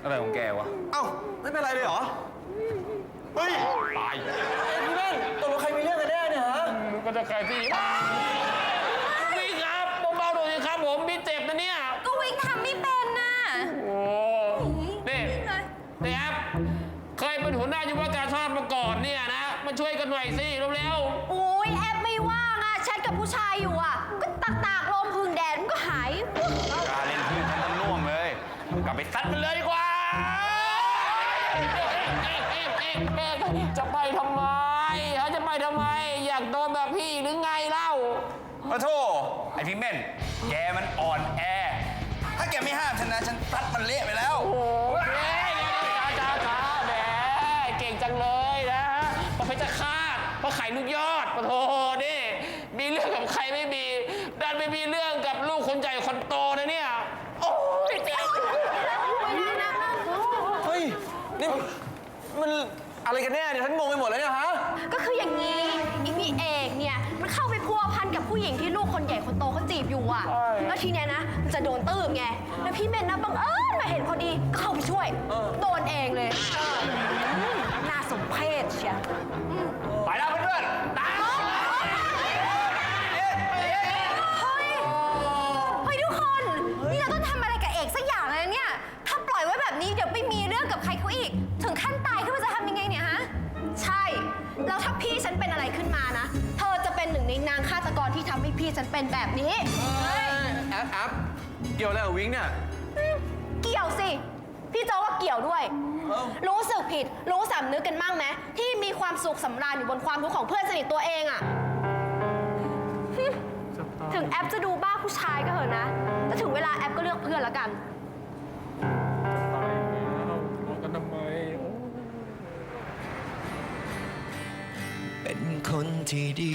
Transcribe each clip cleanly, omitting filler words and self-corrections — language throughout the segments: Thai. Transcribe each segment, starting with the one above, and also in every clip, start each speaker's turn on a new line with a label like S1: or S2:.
S1: อะไรของแกวะ
S2: เอ้าไม่เป็นไรเลยเหรอเฮ้ย
S1: ตาย
S2: พี่เล่นตกลงใครมีเรื่องกันแน่เนี่ยฮะ
S1: ก็จะใครพี่วิ่งครับเบาๆหน่อยสิครับผมพี่เจ็บนะเนี่ย
S3: ก็วิ่งทำไม่เป็นน่ะ
S1: โอ้นี่นี่แอปเคยเป็นหัวหน้ายุวการชาติมาก่อนเนี่ยนะมาช่วยกันหน่อยสิเร็ว
S3: โอ้ยแอปไม่ว่างอ่ะแชทกับผู้ชายอยู่อ่ะก็ตากลมพึ่งแดดมันก็หาย
S1: การเล่นพื้นทั้งน่วมเลยกลับไปซัดมันเลยดีกว่าจะไปทำไมเขาจะไปทำไมอยากโดนแบบพี่หรือไงเล่า
S2: ขอโทษไอพี่เม่นแกมันอ่อนแอถ้าแกไม่ห้ามฉันนะฉันตัดมันเละไปแล้ว
S1: โอ้ยจ้าแหมเก่งจังเลยนะประเภทจะคาดเพราะไข่ลูกยอดปะโถนี่มีเรื่องกับใครไม่มีดันไม่มีเรื่องกับลูกคนใหญ่คนโตนะเนี่ยโอ้ยเจ๊
S2: เฮ้ยนี่มันอะไรกันแน่เนี่ยฉันงงไปหมดแล้วเนี่ยฮะ
S3: ก็คืออย่างนี้อีพี่เอกเนี่ยมันเข้าไปพัวพันกับผู้หญิงที่ลูกคนใหญ่คนโตเขาจีบอยู่อ่ะแล้วทีเนี้ยนะมันจะโดนตื้มไงแล้วพี่เมนนะบังเอิญมาเห็นพอดีก็เข้าไปช่วยโดนเองเลยน่าสมเพชเชียว
S1: ไปแล้วเพื่อนๆตาย
S3: เฮ้ยทุกคนนี่เราต้องทำอะไรกับเอกสักอย่างเลยเนี่ยถ้าปล่อยไว้แบบนี้เดี๋ยวไปมีเรื่องกับใครเขาอีกถึงขั้นตายขึ้นมาจะทำยังไงเนี่ยฮะใช่แล้วถ้าพี่ฉันเป็นอะไรขึ้นมานะเธอจะเป็นหนึ่งในนางฆาตกรที่ทำให้พี่ฉันเป็นแบบนี้
S2: แอปเกี่ยวอะไรกับวิ้งเนี่ย
S3: เกี่ยวสิพี่โจว่าเกี่ยวด้วยรู้สึกผิดรู้สำนึกกันบ้างไหมที่มีความสุขสำราญอยู่บนความทุกข์ของเพื่อนสนิทตัวเองอะถึงแอปจะดูบ้าผู้ชายก็เถอะนะแต่ถึงเวลาแอปก็เลือกเพื่อนแล้วกัน
S1: ทำไม
S4: เป็นคนที่ดี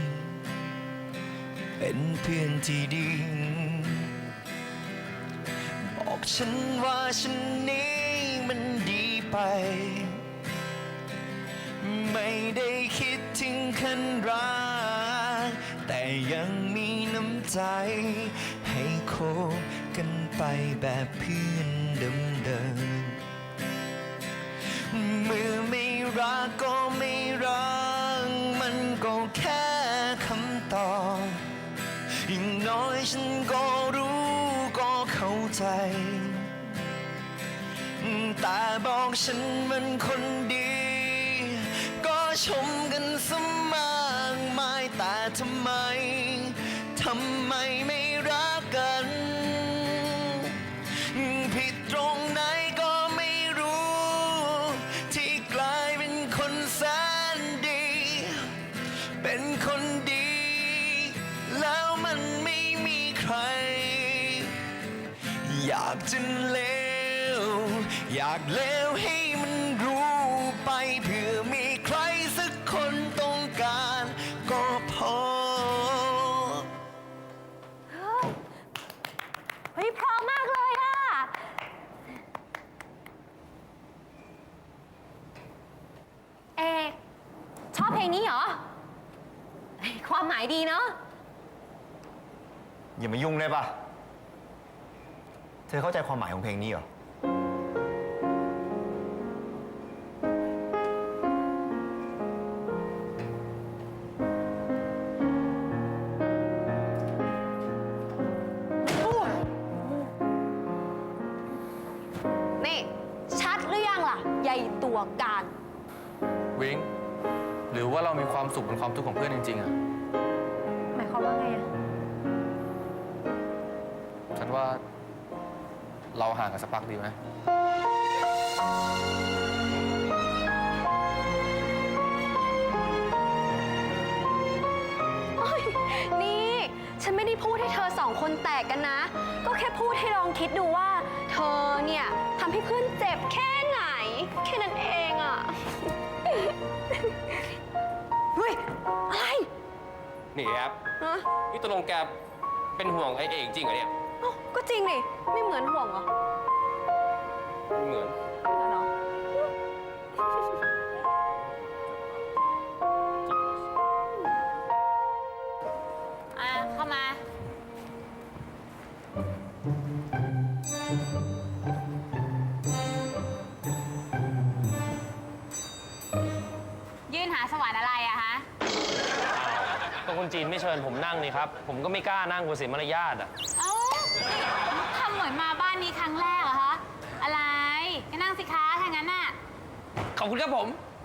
S4: เป็นเพื่อนที่ดีบอกฉันว่าฉันนี้มันดีไปไม่ได้คิดถึงขั้นรักแต่ยังมีน้ำใจให้คบกันไปแบบเพื่อนเดิมเมื่อไม่รักก็ไม่รักมันก็แค่คำตอบอย่างน้อยฉันก็รู้ก็เข้าใจแต่บอกฉันมันคนดีก็ชมกันสมากมายแต่ทำไมไม่รักกันผิดตรงไหนก็ไม่รู้ที่กลายเป็นคนแสนดีเป็นคนดีแล้วมันไม่มีใครอยากจะเลวอยากเลวให้มันรู้ไปเพื่อมีใครสักคนต้องการก็พอ
S3: เฮ้ยพร้อมมากเลยอะเอกชอบเพลงนี้เหรอความหมายดีเนาะ
S2: อย่ามายุ่งได้ปะเธอเข้าใจความหมายของเพลงนี้เหรอ
S3: นี่ชัดหรือยังล่ะใหญ่ตัวการ
S1: วิงหรือว่าเรามีความสุขบนความทุกข์ของเพื่อนจริงๆอะ
S3: หมายความว่าไงอะ
S1: ฉันว่าเราห่างกันสักพักดีไหม
S3: นี่ฉันไม่ได้พูดให้เธอสองคนแตกกันนะก็แค่พูดให้ลองคิดดูว่าเธอเนี่ยทำให้เพื่อนเจ็บแค่ไหนแค่นั้นเองอะเฮ้ยอะไร
S1: นี่แอปนี่ตกลงแกเป็นห่วงไอ้เอกจริงเหรอเนี่ย
S3: ก็จริงดิไม่เหมือนห่วงเหรอ
S1: ไม่เหมือน
S3: เหรอเข้ามา
S1: ก็คนจีนไม่เชิญผมนั่งนี่ครับ ผมก็ไม่กล้านั่งกลัวเสียมารยาทอ่ะ
S5: เอ้าทำเหมือนมาบ้านนี้ครั้งแรกเหรอคะ อะไรก็นั่งสิคะถ้างั้นน่ะ
S1: ขอบคุณครับผม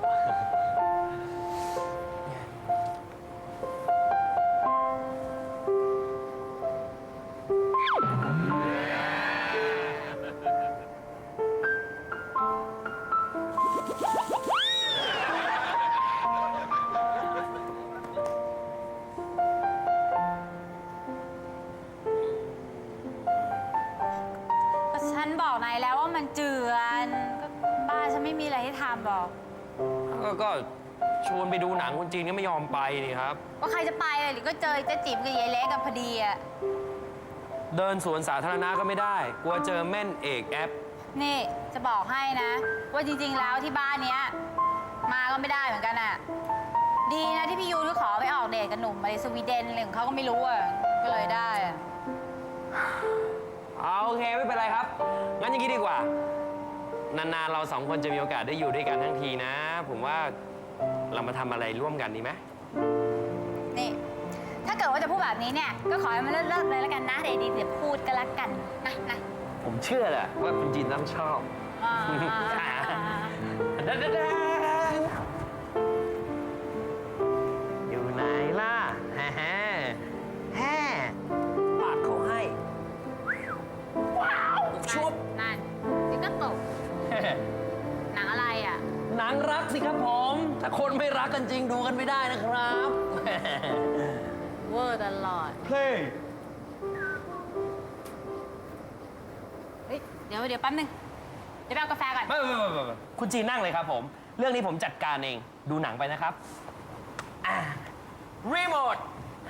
S5: ก็ฉันบอกนายแล้วว่ามันเจือนก็บ้านฉันไม่มีอะไรให้ทำหรอก
S1: ก็ชวนไปดูหนังคนจีนก็ไม่ยอมไปนี่ครับ
S5: ว่าใครจะไปเลยหรือก็เจอเจ๊จิ๋มกับยายเล็กกันพอดีอะ
S1: เดินสวนสาธารณะก็ไม่ได้ กลัวเจอแม่นเอกแอป
S5: นี่จะบอกให้นะ ว่าจริงๆแล้วที่บ้านเนี้ยมาก็ไม่ได้เหมือนกันอะดีนะที่พี่ยูนก็ขอไปออกเดทกับหนุ่มมาในสวีเดนอะไรของเขาก็ไม่รู้อะก็เลยได้อะ
S1: เอาโอเคไม่เป็นไรครับ งั้นอย่างนี้ดีกว่า นานๆเราสองคนจะมีโอกาสได้อยู่ด้วยกันทั้งทีนะ ผมว่าเรามาทำอะไรร่วมกันดีไหม
S5: นี่ถ้าเกิดว่าจะพูดแบบนี้เนี่ยก็ขอให้มันเลิกๆเลยแล้วกันนะเดี๋ยวดีเดี๋ยวพูดกันละกันนะ
S1: ผมเชื่อแหละว่าคุณจีนต้องชอบ
S5: อ่า
S1: อยู่ไหนล่ะแฮ่แฮ่ปากเขาให้ ว้าวชุบ
S5: นั่นเดี๋ยวก็ตกหนังอะไรอ่ะ
S1: หนังรักสิครับผม ถ้าคนไม่รักกันจริงดูกันไม่ได้นะครับ
S5: เวอร์ตลอด
S1: เฮ้ย
S5: เฮ้ยเดี๋ยวแป๊บนึงเดี๋ยวไปเอากาแฟก่อน
S1: ไม่คุณจีนนั่งเลยครับผม เรื่องนี้ผมจัดการเอง ดูหนังไปนะครับรีโมท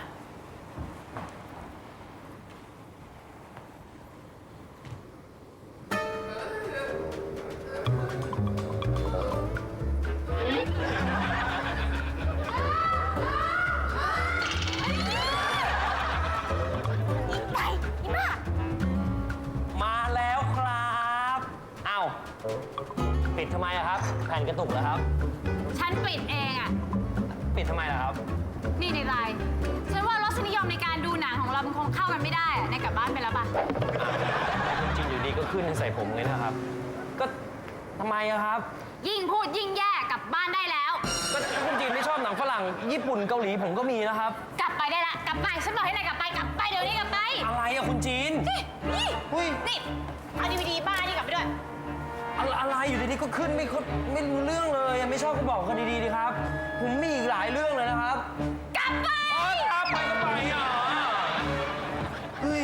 S5: ไปนี่บ้า
S1: มาแล้วครับ เอ้า ปิดทำไมอะครับ แผ่นกระตุกเหรอครับ
S5: ฉันปิดเองอ่ะ
S1: ปิดทำไมล่ะครับ
S5: นี่ในไลน์ฉันว่ารสนิยมในการดูหนังของเรามันคงเข้ากันไม่ได้อะนายกลับบ้านไปแล้วป่ะ
S1: จริงอยู่ดีก็ขึ้นใส่ผมเลยนะครับ ก็ทำไมอะครับ
S5: ยิ่งพูดยิ่งแย่กลับบ้านได้แล้ว
S1: ก็คุณจีนไม่ชอบหนังฝรั่ง ญี่ปุ่นเกาหลีผมก็มีนะครับ
S5: กลับไปได้ละกลับไปฉันบอกให้นายกลับไปเดี๋ยวนี้กลับไป
S1: อะไรอะคุณจีน
S5: นี่
S1: อุ้ย
S5: นี่เอาดีวีดีบ้านี่กลับไปด้วย
S1: อะไรอยู่ดีๆก็ขึ้นไม่รู้เรื่องเลยอะไม่ชอบก็บอกกันดีๆดีครับ ผมมีอีกหลายเรื่องเลยนะครับ
S5: กลับไป
S1: ครับไปก็ไปอ่ะเฮ้ย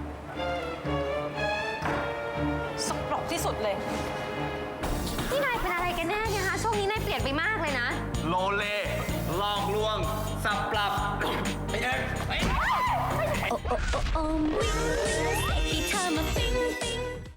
S5: สกปรกที่สุดเลย
S3: นี่นายเป็นอะไรกันแน่เนี่ยคะช่วงนี้นายเปลี่ยนไปมากเลยนะ
S2: โลเลหลอกลวง สับปรับไอ้เอ็ก
S6: โอ้โอ้โอ้โอ้วิ่งให้เธอมาปิ๊ง